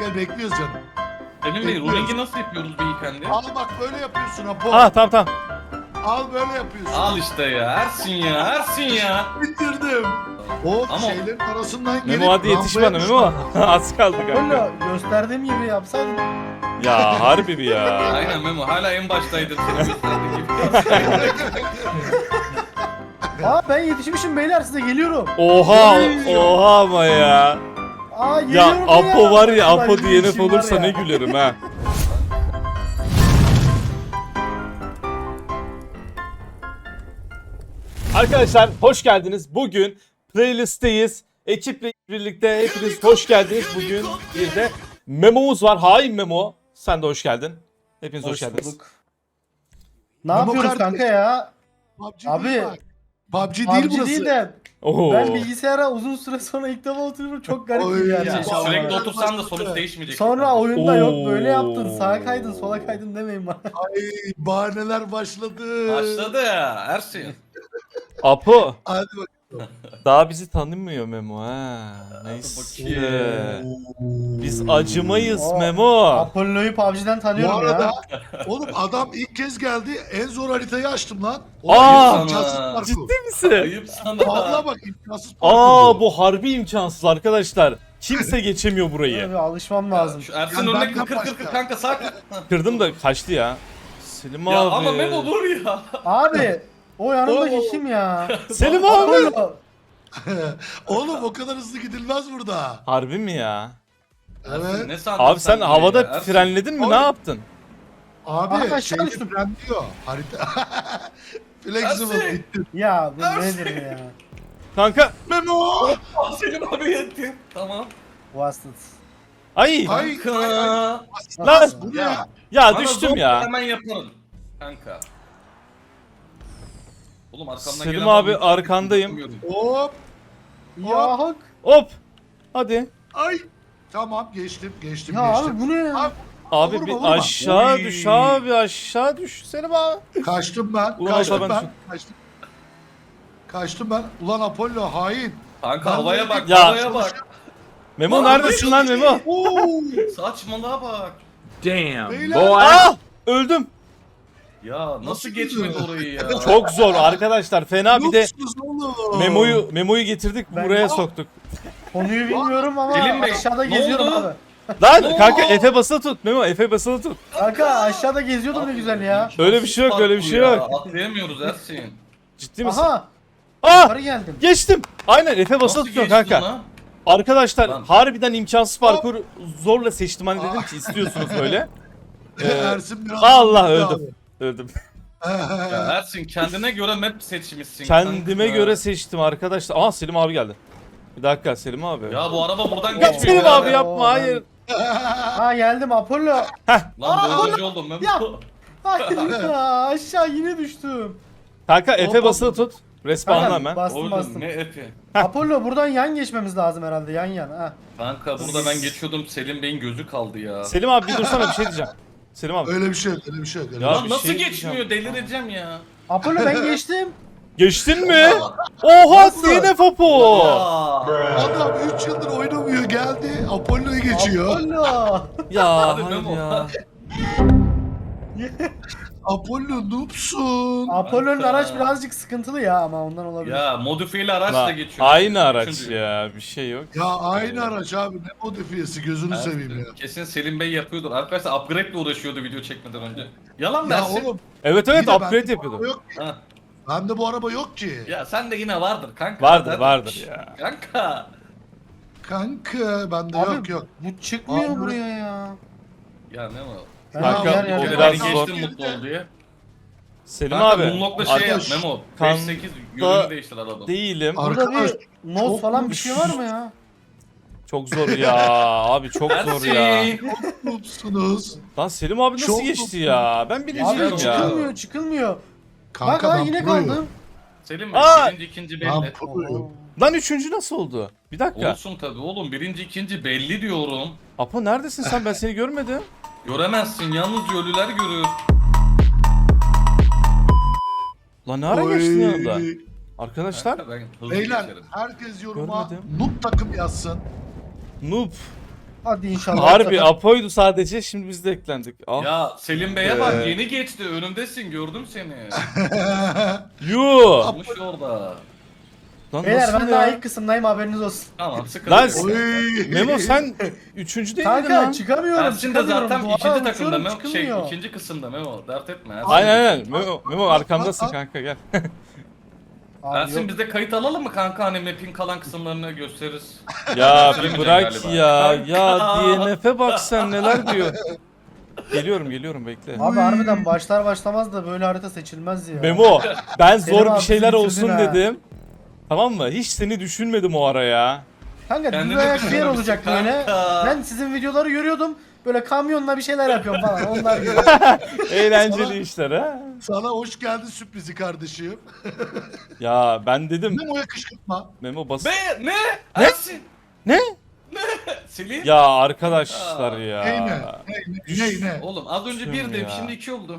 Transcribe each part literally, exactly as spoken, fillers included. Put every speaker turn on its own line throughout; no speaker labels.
gel bekliyoruz canım.
Emin Bey,
Bekliyoruz.
rulingi nasıl yapıyoruz beyefendi?
Al bak böyle yapıyorsun Apo.
Ah tamam tamam.
Al böyle yapıyorsun.
Al işte ya, Ersin ya, Ersin ya.
Bitirdim. O
Ama-
şeylerin arasından gelip
Memo hadi yetiş bana
rampaya
Memo. Az kaldı kanka.
Apollo gösterdiğim gibi yapsaydın.
Ya harbi bir ya.
Aynen Memo, hala en baştaydın senin gösterdiğin gibi.
Aa ben yetişmişim beyler size geliyorum.
Oha oha ama ya.
Aa
Ya
geliyorum
Apo var ya
Ulan
Apo
bir
D N F
işim var
olursa
ya.
ne gülerim ha. Arkadaşlar hoş geldiniz. Bugün playlist'teyiz. Ekiple birlikte hepiniz hoş geldiniz. Bugün bir de Memo'muz var. Hain Memo. Sen de hoş geldin. Hepiniz hoş,
Hoş
geldiniz.
bulduk. Ne
Memo
yapıyoruz
kardeş.
kanka ya?
P U B G
Abi,
değil bak. P U B G değil
P U B G
burası.
değil de
Oo.
ben bilgisayara uzun süre sonra ilk defa oturuyorum çok garip
Oy
bir
ya.
yer.
Ya,
Vallahi.
sürekli otursan da sonuç değişmeyecek.
Sonra oyunda yok
Oo.
böyle yaptın sağa kaydın sola kaydın demeyin bana.
Ay bahaneler başladı.
Başladı ya, Ersin.
Apo.
Hadi bak.
Daha bizi tanımıyor Memo ha. Neyse. Biz acımayız
Oo.
Memo.
Apollo'yu P U B G'den
Bu
tanıyorum
arada
ya.
oğlum adam ilk kez geldi en zor haritayı açtım lan.
Aa,
imkansız parkur.
Ciddi misin?
Ayıp sana.
Vallahi bak imkansız parkur.
Aa bu harbi imkansız arkadaşlar. Kimse geçemiyor burayı.
Abi, alışmam lazım.
Şu Ersin
Yani
önüne
benden
kır kır kır
başka.
kanka sakin.
Kırdım da kaçtı ya. Selim
Ya
abi.
ama Memo dur ya.
Abi o yanımdaki
Oo.
kim ya?
Selim abi.
Apollo.
Oğlum o kadar hızlı gidilmez burada.
Harbi mi ya?
Ersin,
Evet.
ne sandın
Abi sen
böyle
havada
ya? Ersin,
frenledin mi?
Abi.
Ne yaptın?
Abi
Aa,
şey
aşağı düştüm.
diyor. Harita. Flexible
Ersin.
bitti.
Ya bu
Ersin.
nedir ya?
Kanka.
Memo.
Ah, Selim abi yettin. Tamam.
Vasıt.
Ay.
Ay.
Kanka.
Lan.
Bu ne
Ya.
ya?
Ya
Bana
düştüm
zor
ya.
Hemen yapalım. Kanka. Oğlum arkamdan
Selim
gelen
abi,
var mı?
arkandayım.
Hop.
Ya hak.
Hop. Hadi.
Ay. Tamam geçtim geçtim
Ya
geçtim.
abi bu ne ya?
Abi,
Abi
Vurma,
bir
vurma.
aşağı
Oy.
düş abi aşağı düş Selim abi.
Kaçtım ben.
Ulan
kaçtım
Apo ben
ben.
düşün-
Kaçtım. Kaçtım ben. Ulan Apollo hain.
Kanka
Ben
havaya
de-
bak,
Ya.
havaya bak.
Memo
Lan,
neredesin lan Memo?
Oo.
Saçmalığa bak.
Damn,
Beyler.
boy.
Ah! Öldüm.
Ya nasıl,
Nasıl
geçmedi
gidiyor?
orayı ya?
Çok zor arkadaşlar. Fena bir de
Yoksunuz oğlum.
Memo'yu Memo'yu getirdik
Ben-
buraya soktuk.
Konuyu bilmiyorum ama
Selim Bey,
aşağıda
ne
geziyorum
oldu?
abi.
Lan
Oo!
kanka Efe basılı tut Memo Efe basılı tut.
Kanka aşağıda geziyordum ne güzel ya.
Öyle bir şey yok, öyle bir şey
Ya,
yok.
Atlayamıyoruz Ersin.
Ciddi misin?
Aha
Ah!
yukarı geldim.
Geçtim. Aynen Efe basılı
Nasıl
tutuyor
geçtin
kanka.
lan?
Arkadaşlar
Lan.
harbiden imkansız parkur zorla seçtim hani dedim ki istiyorsunuz böyle. Ee,
Ersin biraz
Allah
bitti
öldüm. Öldüm.
Ya Ersin kendine göre map seçmişsin.
Kendime
kanka.
göre seçtim arkadaşlar. Aa Selim abi geldi. Bir dakika Selim abi.
Ya bu araba buradan
Ya
geçmiyor.
Selim
ya.
abi yapma hayır.
Ha geldim Apollo.
Lan dördüncü oldum ben.
Ya. Hayır ya aşağı yine düştüm.
Kanka Efe
Hop,
basılı
hop.
tut. Respawnla
Kanka,
hemen.
Bastım
Oğlum
bastım.
ne epi.
Apollo buradan yan geçmemiz lazım herhalde yan yan. Ha.
Kanka burada ben geçiyordum, Selim Bey'in gözü kaldı ya.
Selim abi bir dursana bir şey diyeceğim. Selim abi.
Öyle bir şey yok, öyle bir şey yok. Öyle
Ya
bir
Lan
şey.
bir
nasıl
şey
geçmiyor, delireceğim ya.
Apollo ben geçtim.
Geçtin mi? Oha D N F Apo.
Aa.
Adam üç yıldır oynamıyor geldi. Apollo'yu geçiyor.
Apollo.
Ya
Hadi
hayır
Memo.
ya.
Apollo noobsun.
Apollo'nun
Kanka.
araç birazcık sıkıntılı ya ama ondan olabilir.
Ya modifiyeli araç da
La,
geçiyor.
aynı araç
Üçüncü.
ya bir şey yok.
Ya aynı araç abi ne modifiyesi gözünü seveyim ya.
Kesin Selim Bey yapıyordur. Arkadaşlar upgrade ile uğraşıyordu video çekmeden önce. Yalan
Ya
versin.
oğlum.
Evet
bir
evet
de bende
upgrade
bu
yapıyordu.
araba Yok ki.
Ha.
Bende bu araba yok ki.
Ya sen de yine vardır kanka.
Vardır
Zaten-
vardır ya.
Kanka.
Kanka bende
Abi,
yok yok.
Bu çıkmıyor
Abi.
buraya ya.
Ya ne o?
Ben
Kanka,
yer
o
yer
O
yer-
biraz
biraz
zor.
geçtim mutlu ol diye.
Selim
Kanka
abi.
Moonlock'la şey yap
arkadaş,
Memo.
kan-
beş sekiz yönünü değiştir araba.
Değilim.
Ar-
Burada
Arkadaş,
bir noz
çok
falan bir şey var mı ya?
Çok zor ya. Abi çok zor ya.
Ersin.
Noobsunuz.
Lan Selim abi nasıl
Çok
geçti ya? Ben birinciyim
Abi
ya.
çıkılmıyor çıkılmıyor.
Kanka
Bak ha
ben
yine
proyum.
kaldım.
Selim Bey
Aa!
birinci ikinci
Ben
belli.
proyum.
Lan üçüncü nasıl oldu? Bir dakika.
Olsun tabi oğlum, birinci ikinci belli diyorum.
Apo neredesin sen? Ben seni görmedim.
Göremezsin, yalnızca ölüler görür.
Lan ne ara
Oy.
geçtin yanında? Arkadaşlar.
Kanka ben hızlı
Beyler
geçerim.
herkes yoruma
Görmedim.
noob takım yazsın.
Noob.
Hadi inşallah.
Harbi Apo'ydu sadece, şimdi biz de eklendik. Ah.
Ya Selim Bey'e bak,
Ee.
yeni geçti, önümdesin, gördüm seni.
Yuh.
Olmuş orada.
Lan
Beyler
nasıl
ben
ya?
daha ilk kısımdayım, haberiniz olsun.
Tamam, sıkıntı
Lan
yok.
s-
Oy.
Memo sen üçüncü değil miydin
Kanka
lan?
çıkamıyorum.
Ersin de
çıkamıyorum.
zaten
Duvara
ikinci takımda
uçuyorum,
Memo, şey
çıkılmıyor.
ikinci kısımda Memo, dert etme. Ersin.
Aynen aynen. Memo, Memo arkamdasın kanka, gel.
Abi
Ersin
yok.
biz de kayıt alalım mı kanka, hani map'in kalan kısımlarını gösteririz.
Ya bir
Söylemeyeceksin
bırak
galiba.
ya. Ya
Kanka.
D N F'e bak sen, neler diyor. Geliyorum geliyorum, bekle.
Abi harbiden başlar başlamaz da böyle harita seçilmez ya.
Memo ben
Selim
zor
abi
bir şeyler
bizi
olsun
bitirdin ha.
dedim. Tamam mı? Hiç seni düşünmedim o ara ya.
Kanka
Kendini
düz ayak bir yer
düşünmemişsin
olacak
kanka.
böyle. Ben sizin videoları görüyordum. Böyle kamyonla bir şeyler yapıyorum falan. Onlar gibi.
Eğlenceli işler ha.
Sana hoş geldin sürprizi kardeşim.
Ya ben dedim
Memo'ya kışkırtma.
Memo bas.
Be ne? Ersin.
Ne?
Selim.
Ya arkadaşlar ya.
Ney ne? Ney ne? Ney ne?
Oğlum az önce
Düştüm
bir dedim,
ya.
şimdi iki oldu.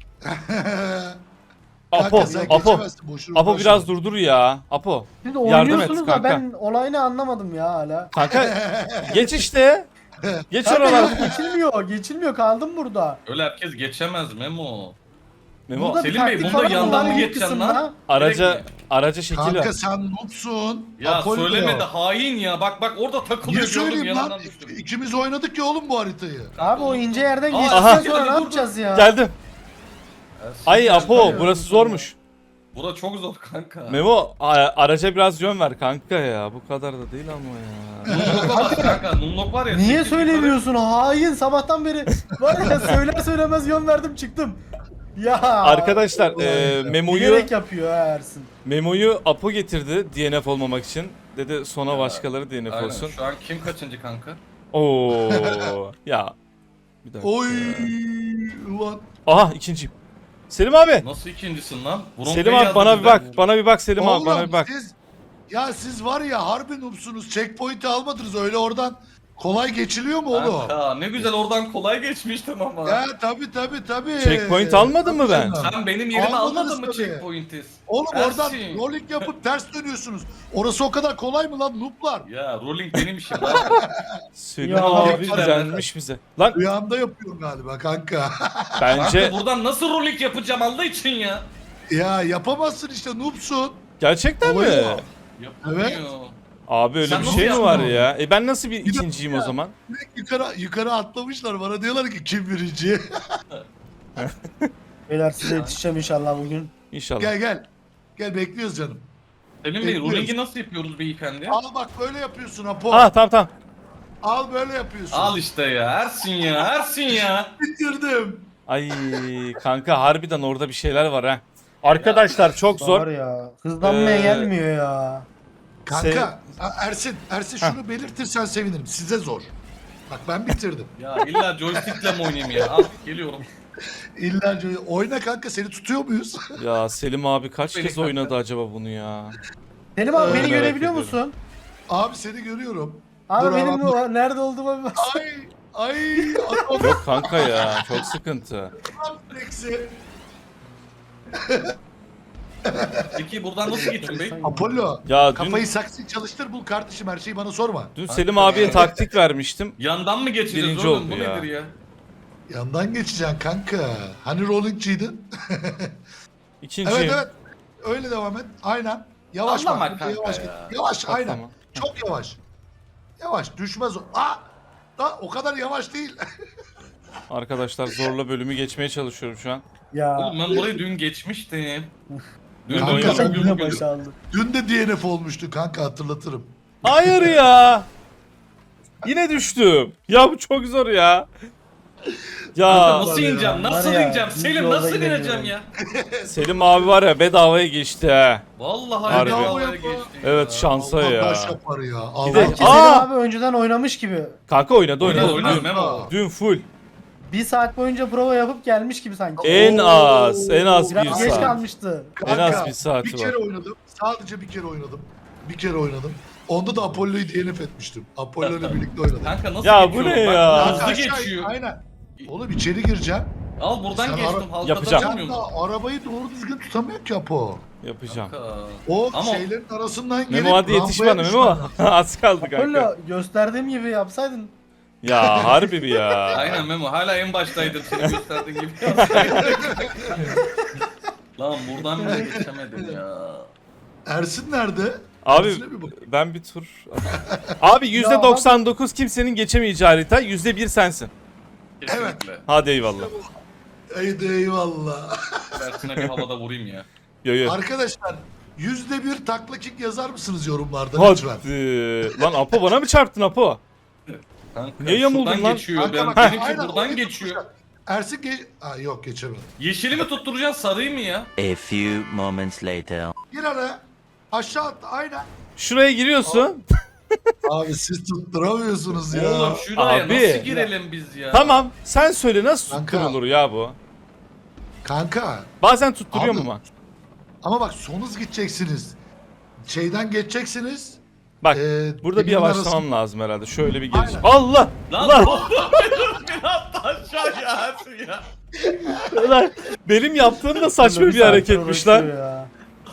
Apo,
Kanka sen
Apo.
geçemezsin, boşuna
Apo
uğraşma.
biraz durdur ya. Apo.
Şimdi
Yardım et
oynuyorsunuz da
kanka.
ben olayını anlamadım ya hala.
Kanka geç işte. Geç
Kanka
oralar.
yok, geçilmiyor. Geçilmiyor, kaldım burada.
Öyle herkes geçemez Memo.
Memo
Burada bir
Selim Bey,
taktik
bunda
falan
yandan
var
mı
ilk
geçeceksin
kısımda.
lan?
araca
Direkt mi?
araca şekil
Kanka
ver.
sen noobsun.
Ya
Apollo.
söyleme de hain ya. Bak bak orada
Niye
takılıyor, gördüm
söyleyeyim lan?
yanından düştüm.
İkimiz oynadık ya oğlum bu haritayı.
Abi o ince yerden
Aa,
geçtikten
aha.
sonra ne
Dur, dur.
yapacağız ya?
Geldim.
Ersin,
Ay
gel.
Apo burası zormuş.
Bura çok zor kanka.
Memo a- araca biraz yön ver kanka ya. Bu kadar da değil ama ya.
Numlok'a bas kanka. Numlok var ya.
Niye
sekiz yukarı-
söylemiyorsun? Hain, sabahtan beri var ya söyler söylemez yön verdim çıktım. Ya
Arkadaşlar e, Memo'yu
bilerek yapıyor ha Ersin.
Memo'yu Apo getirdi D N F olmamak için. Dedi sonra başkaları D N F
Aynen.
olsun.
Şu an kim kaçıncı kanka?
Oo ya. Bir dakika.
Oy
ya.
ulan.
Aha ikinciyim. Selim abi.
Nasıl ikincisin lan? Bronz
Selim
Bey
abi bana
yazdı
bir
bize.
bak. Bana bir bak Selim abi
Oğlum,
bana bir bak.
Siz, ya siz var ya harbi noobsunuz. Checkpoint'i almadınız öyle oradan. Kolay geçiliyor mu oğlum?
Kanka ne güzel oradan kolay geçmiştim ama.
Ya tabi tabi tabi.
Checkpoint almadın mı ben?
Sen benim yerime
Almadınız
almadın mı
tabii.
checkpoint'i?
Oğlum oradan
Ersin.
rolling yapıp ters dönüyorsunuz. Orası o kadar kolay mı lan nooblar?
Ya rolling benim işim lan.
Selim
Ya,
abi
güzel.
güzelmiş bize. Lan
Rüyamda yapıyorum galiba kanka.
bence
Kanka buradan nasıl rolling yapacağım Allah için ya?
Ya yapamazsın işte noobsun.
gerçekten mi?
Olayı o.
Yapamıyor.
Evet.
Abi öyle
Sen
bir
nasıl
şey mi var
yaptın
ya? E ben nasıl bir
Bir
ikinciyim o
dakika.
zaman?
Direkt yukarı yukarı atlamışlar bana diyorlar ki kim birinci?
Beyler size yetişeceğim inşallah bugün.
İnşallah.
Gel gel. Gel bekliyoruz canım.
Selim Bey
Bekliyoruz.
rolling'i nasıl yapıyoruz beyefendi?
Al bak böyle yapıyorsun Apo.
Ah tamam tamam.
Al böyle yapıyorsun.
Al işte ya Ersin ya Ersin ya.
Bitirdim.
Ay kanka harbiden orada bir şeyler var ha. Arkadaşlar çok
Var
zor.
ya. Hızlanmaya
Ee,
gelmiyor ya.
Kanka A- Ersin, Ersin şunu belirtirsen sevinirim. Size zor. Bak ben bitirdim.
Ya illa joystick'le mi oynayayım ya? Al geliyorum.
İlla oyna kanka seni tutuyor muyuz?
Ya Selim abi kaç
Beni
kez
kanka.
oynadı acaba bunu ya?
Selim abi
Ee,
beni
merak
görebiliyor
ediyorum.
musun?
Abi seni görüyorum.
Abi
Dur
benim
abi.
o- nerede olduğuma bir bak.
Ay ay adam
Yok kanka ya çok sıkıntı.
refleksi.
Peki buradan nasıl geçiyorum bey?
Apollo.
Ya dün,
Kafayı saksı çalıştır bul kardeşim her şeyi bana sorma.
dün Selim abiye taktik vermiştim.
Yandan mı geçeceğiz
Birinci
oğlum?
oldu
Bu
ya.
nedir ya?
Yandan geçeceksin kanka. Hani rollingçiydin?
İkinciyim.
Evet evet. Öyle devam et. Aynen. Yavaş
Anlama
bak.
kanka
Yavaş
ya.
git. Yavaş
Bak,
aynen.
tamam.
Çok yavaş. Yavaş düşmez o. Aa! Da, o kadar yavaş değil.
Arkadaşlar zorla bölümü geçmeye çalışıyorum şu an.
Ya.
Oğlum ben burayı dün geçmiştim. Dün
Kanka,
oynadım
sen
bugün
yine
bugün.
başardı.
Dün de D N F olmuştu kanka hatırlatırım.
Hayır ya. Yine düştüm. Ya bu çok zor ya.
Kanka
Ya
nasıl ineceğim?
Var
Nasıl
ya,
ineceğim?
düz
Selim
yolda
nasıl
gidemiyorum.
ineceğim ya?
Selim abi var ya bedavaya geçti ha.
Vallahi
Harbi.
bedavaya geçti.
Evet şansa
Allah
ya.
taş yapar ya. Allah
de-
Sanki
taş-
Aa!
Selim abi önceden oynamış gibi.
Kanka oynadı oynadı.
Oynadı oynadı
Dün,
Memo.
dün full.
Bir saat boyunca prova yapıp gelmiş gibi sanki.
En az en az bir
Biraz geç
saat.
kalmıştı.
En az
Kanka,
bir saati
bir kere
var.
oynadım. Sadece bir kere oynadım. Bir kere oynadım. Onda da Apollo'yu D N F etmiştim. Apollo ile birlikte oynadım.
Kanka nasıl
Ya bu
geçiyorum?
ne
Bak,
ya?
Hızlı
Aşağı-
geçiyor.
Aynen. Oğlum içeri gireceğim.
Al buradan
Sen
geçtim.
ara-
Halkada
Yapacağım.
Sen
durmuyorum.
de arabayı doğru düzgün tutamıyor ki Apo.
Yapacağım.
Kanka.
O
Ama-
şeylerin arasından gelip
Memo hadi yetiş
rampaya
bana Memo.
düşman.
Az kaldı kanka.
Apollo gösterdiğim gibi yapsaydın.
Ya harbi bir ya.
Aynen Memo hala en baştaydın seni gösterdiğin gibi. Lan buradan bile geçemedim ya.
Ersin nerede?
Abi
Ersin'e bir bak.
ben bir tur. Abi yüzde doksan dokuz kimsenin geçemeyeceği harita, yüzde bir sensin.
Kesinlikle.
Hadi eyvallah.
Haydi eyvallah.
Ersin'e bir havada vurayım ya.
Yo yo.
Arkadaşlar yüzde bir takla kick yazar mısınız yorumlarda lütfen?
Hadi. Lan Apo bana mı çarptın Apo?
Kanka,
Niye yamuldun
şuradan
lan?
geçiyor.
Kanka
Ben,
bak,
benimki
aynen,
buradan
orayı
geçiyor.
tutmuşlar. Ersin geç... Aa, yok geçemedi.
Yeşili mi tutturacaksın sarıyı mı ya?
A few moments later.
Gir araya. Aşağı at aynen.
Şuraya giriyorsun.
Abi siz tutturamıyorsunuz ya.
Oğlum şuraya
Abi.
nasıl girelim biz ya?
Tamam. Sen söyle nasıl
Kanka.
tutturulur ya bu?
Kanka.
Bazen tutturuyor
Abi.
mu ama?
Ama bak son hız gideceksiniz. Şeyden geçeceksiniz.
Bak
Ee,
burada bir
birbirinin
yavaşlamam
arası-
lazım herhalde. Şöyle bir geliş.
Aynen.
Allah!
Lan
Lan!
beni attı aşağıya Ersin ya.
Lan! Benim yaptığım da saçma bir
saattir
hareketmiş lan.
uğraşıyor ya.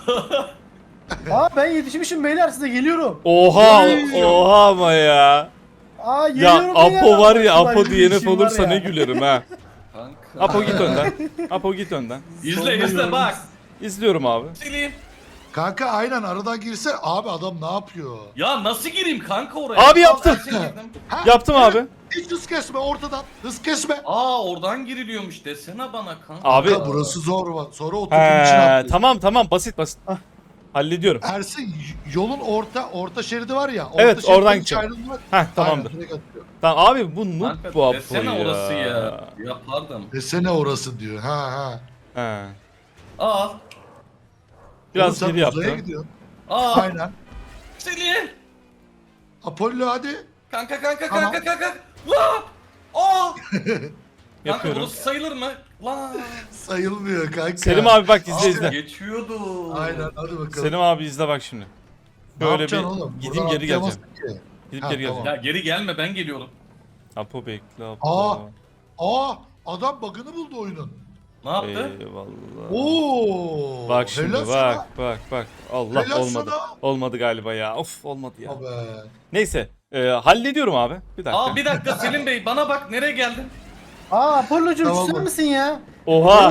Aa ben yetişmişim beyler, size geliyorum.
Oha!
Oy.
Oha ama ya.
Aa
Ya
geliyorum beyler.
Apo var ya,
Ulan
Apo
bir
D N F
işim var
olursa
ya.
ne gülerim ha.
Kanka.
Apo git önden. Apo git önden.
İzle izle bak.
İzliyorum abi.
Sileyim.
Kanka aynen aradan girse abi adam ne yapıyor?
Ya nasıl gireyim kanka oraya?
Abi yaptım.
Al, Ersin girdim.
Ha,
Yaptım
evet.
abi.
Hiç hız kesme ortadan. Hız kesme.
Aa oradan giriliyormuş desene bana kanka.
Abi-
Kanka burası zor var. Sonra oturduğun için
He,
atlıyor.
tamam tamam basit basit. Hallediyorum.
Ersin y- yolun orta orta şeridi var ya. Orta
Evet,
şeritten
oradan
hiç
gideceğim.
ayrılma.
Heh tamamdır.
Aynen, direkt atıyor.
Tamam abi bu noob
Kanka
bu Apo
desene
ya.
orası ya. Yapardım.
Desene orası diyor. Ha ha.
He.
Aa.
Biraz
Oğlum sen
geri
uzaya
yaptım.
gidiyorsun.
Aa.
Aynen.
Sileyim.
Apollo hadi.
Kanka kanka
Tamam.
kanka kanka. La. Aa. Kanka
Yapıyorum.
burası sayılır mı? La.
Sayılmıyor kanka.
Selim abi bak izle
Abi,
izle.
Geçiyordu.
Aynen hadi bakalım.
Selim abi izle bak şimdi.
Ne
Böyle bir
yapacaksın oğlum?
gideyim
Buradan
geri geleceğim.
atlayamazsın ki.
Gidip
Ha,
geri
tamam.
geleceğim.
Ya geri gelme ben geliyorum.
Apo bekle Apo.
Aa. Aa adam bug'ını buldu oyunun.
Ne yaptı?
Eyvallah.
Oo.
Bak şimdi
helal
bak
sana.
bak bak. Allah
Helal
olmadı.
sana.
Olmadı galiba ya. Of olmadı ya.
Abi.
Neyse. E, hallediyorum abi. Bir dakika.
Aa bir dakika Selim Bey bana bak nereye geldin?
Aa Apollo'cum
Tamam
sen
mı?
misin ya?
Oha.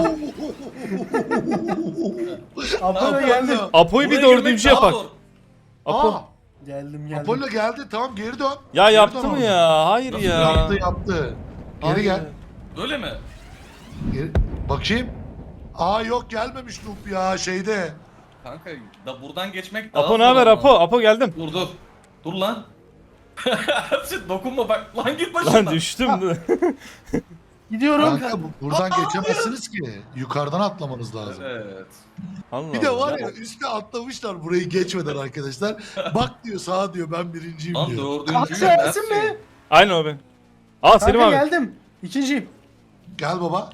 Apollo geldim.
Apo'yu bir
Buraya girmek
dördüncü
daha
yapak.
zor.
Apo.
Aa.
Geldim geldim.
Apollo geldi tamam geri dön.
Ya
Geri
yaptı
dön
mı
oradan.
ya? Hayır
Nasıl
ya.
Yaptı yaptı. Geri
Hayır.
gel.
Öyle mi?
Geri... Bakayım. Aa yok gelmemiş Noob ya şeyde.
Kanka da buradan geçmek daha
Apo
zor
ne haber
ama.
Apo? Apo geldim.
Dur dur. Dur lan. Ersin dokunma bak. Lan git başımdan.
Lan düştüm.
Gidiyorum.
Kanka bu- buradan geçemezsiniz ki. Yukarıdan atlamanız lazım.
Evet.
Allah
Bir de
Allah.
var ya üstte atlamışlar burayı geçmeden arkadaşlar. Bak diyor sağa diyor ben birinciyim
Lan
diyor.
dördüncüyüm
Aksa Ersin
Ersin.
mi?
Aynen o ben. Aa Selim
Kanka
abi.
geldim. İkinciyim.
Gel baba.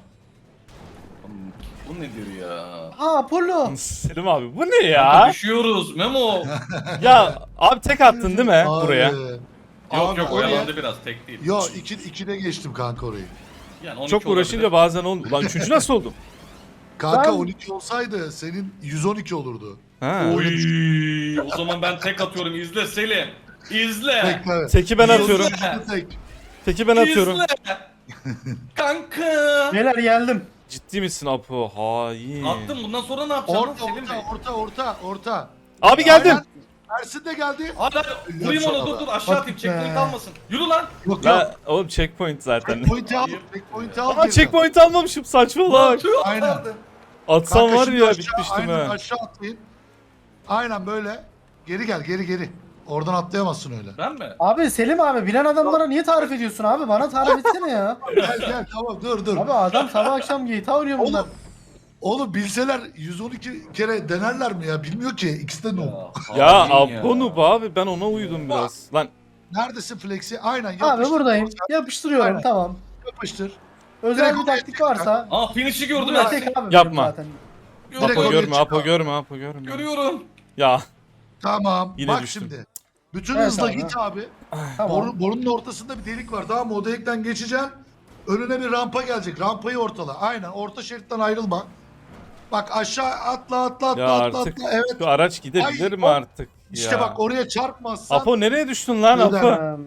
Bu nedir ya?
Aa Apollo.
Selim abi bu ne
Kanka
ya?
düşüyoruz Memo.
Ya abi tek attın değil mi
Abi.
buraya?
Yok
Abi
yok
oraya-
oyalandı biraz tek değil.
Yo iki, ikide geçtim kanka orayı.
Yani on iki
Çok uğraşınca
olabilir.
bazen olmuyor. Lan üçüncü nasıl oldum?
Kanka
Ben-
on iki olsaydı senin yüz on iki olurdu.
Ha.
Oy, o zaman ben tek atıyorum izle Selim. İzle.
Bekle.
Teki ben atıyorum.
Tek.
Teki ben atıyorum.
İzle. Kanka.
Beyler geldim.
Ciddi misin Apo? Hain.
Attım bundan sonra ne yapacaksın
Orta
Selim Bey?
orta orta orta orta.
Abi geldim.
Aynen. Ersin de geldi.
Hadi hadi vurayım onu dur dur aşağı atayım checkpoint
be.
almasın. Yürü lan.
Yok yok.
Ya oğlum checkpoint zaten.
Checkpoint'i al. Checkpoint'i al.
Ama
geri dön.
checkpoint almamışım saçma
Lan
bak.
tüh
Aynen.
atardı.
Atsam
Kanka
var
şimdi
ya
aşağı-
bitmiştim
aynen,
ha.
aşağı atlayın. Aynen böyle. Geri gel geri geri. Oradan atlayamazsın öyle.
Ben mi?
Abi Selim abi bilen adamlara niye tarif ediyorsun abi? Bana tarif etsene ya.
Gel gel tamam dur dur.
Abi adam sabah akşam G T A oynuyor bunlar.
Oğlum, oğlum bilseler yüz on iki kere denerler mi ya? Bilmiyor ki. İkisi de no.
Ya
hain
Apo noob abi ben ona uydum biraz. Lan
Neredesin Flex'i? Aynen
Abi
yapıştır.
buradayım. Yapıştırıyorum
Aynen.
tamam.
Yapıştır.
Özel
Direkt
bir
oraya
taktik varsa.
Aa finish'i gördüm
Buraya
Ersin.
tek abi
Yapma.
benim zaten.
Direkt
Apo
oraya
görme
çık
Apo
abi.
görme Apo görme.
Görüyorum.
Ya
Tamam.
Yine
Bak
düştüm.
şimdi. Bütün
Evet
hızla
abi.
git abi.
Tamam.
Boru, borunun ortasında bir delik var. Tamam mı? O delikten geçeceksin. Önüne bir rampa gelecek. Rampayı ortala. Aynen. Orta şeritten ayrılma. Bak aşağı atla atla atla
ya
atla
artık
atla. Evet.
şu araç gidebilir
Ay,
mi
o-
artık?
İşte
Ya.
bak oraya çarpmazsan.
Apo nereye düştün lan
Öder.
Apo?
Ee,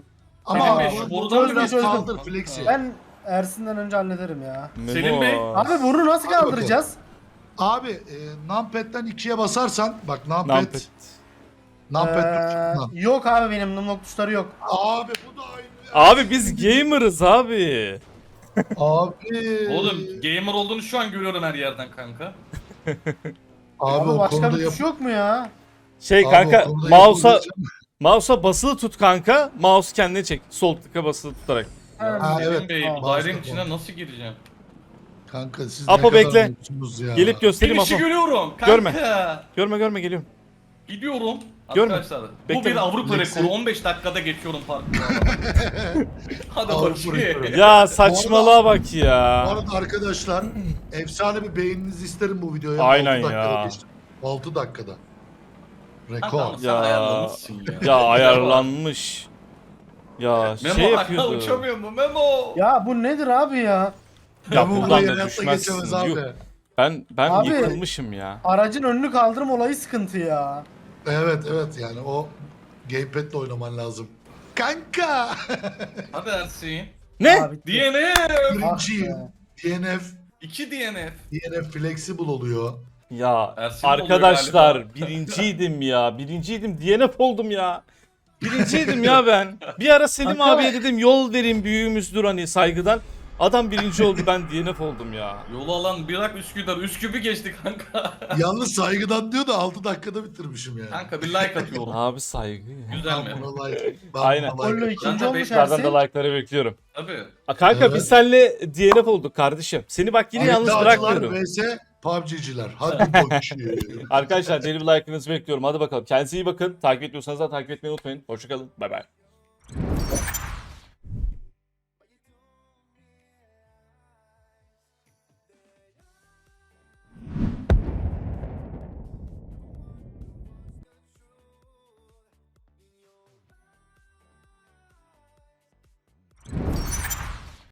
Ama
Selim
abi,
Bey,
bu-
şu
bu
borudan
biraz
bir çözdüm.
kaldır flexi.
Ben Ersin'den önce hallederim ya.
Selim Bey.
Memo.
Abi bunu nasıl
Hadi
kaldıracağız?
Abi e, numpad'den ikiye basarsan bak numpad.
Numpad.
Numpad.
Ee,
tuşundan.
yok abi benim numlok tuşları yok.
Abi bu da aynı.
Abi biz gamer'ız abi.
Abi.
Oğlum gamer olduğunu şu an görüyorum her yerden kanka.
Abi,
Abi
o
başka
konuda
bir
yap-
tuş yok mu ya?
Şey
Abi,
kanka
o konuda
mouse'a
yapabileceğim-
mouse'a basılı tut kanka. Mouse kendine çek. Sol tıka basılı tutarak.
Ha,
Selim
evet.
Bey,
Tamam,
dairenin
başka
içine
konu.
nasıl gireceğim?
Kanka siz
Apo
ne kadar
bekle.
mutlusunuz ya.
Gelip göstereyim
Finish'i
Apo.
görüyorum kanka.
Görme. Görme görme geliyorum.
Gidiyorum.
Görme.
Arkadaşlar bu
Bekle.
bir Avrupa
Neyse.
rekoru. on beş dakikada geçiyorum parkuru. Hadi
Avrupa rekoru.
bakayım.
Ya saçmalığa bak
Bu
ya.
arada arkadaşlar efsane bir beğeninizi isterim bu videoya.
Aynen
altı dakikada
ya.
geçtim. altı dakikada.
Kanka
Rekor.
ama sen
Ya.
ayarlamışsın ya.
Ya ayarlanmış. Ya
Memo
şey
hala
yapıyordu.
uçamıyor mu Memo?
Ya bu nedir abi ya?
Ya
bu
buradan
burayı
da
hayatta
düşmezsin.
geçemez abi.
Yok. Ben ben
Abi.
yıkılmışım ya.
Aracın önünü kaldırma olayı sıkıntı ya.
Evet evet yani o gamepad'le oynaman lazım. Kanka.
Hadi Ersin.
Ne?
Abi,
D N F.
Birinciyim.
Ah
D N F.
iki D N F.
D N F flexible oluyor.
Ya
Ersin oluyor
arkadaşlar
galiba.
birinciydim ya. Birinciydim. D N F oldum ya. Birinciydim ya ben. Bir ara Selim
Kanka.
abiye dedim yol vereyim büyüğümüzdür hani saygıdan. Adam birinci oldu, ben D N F oldum ya.
Yolu alan bırak Üsküdar. Üsküp'ü geçti kanka.
Yalnız saygıdan diyor da altı dakikada bitirmişim yani.
Kanka bir like atıyorum.
Abi saygı ya.
Güzel
Ben
mi?
buna like. Ben
Aynen.
buna like.
Gollo
Ben
ikinci
de
olmuş
beşlerden
Sizlerden de
Ersin.
like'ları bekliyorum.
Tabii.
A, kanka
Evet.
biz seninle D N F olduk kardeşim. Seni bak yine yalnız
İddiacılar
bırakmıyorum.
vs P U B G'ciler. Hadi bakayım.
Arkadaşlar deli bir like'ınızı bekliyorum. Hadi bakalım. Kendinize iyi bakın. Takip etmiyorsanız da takip etmeyi unutmayın. Hoşçakalın. Bay bay.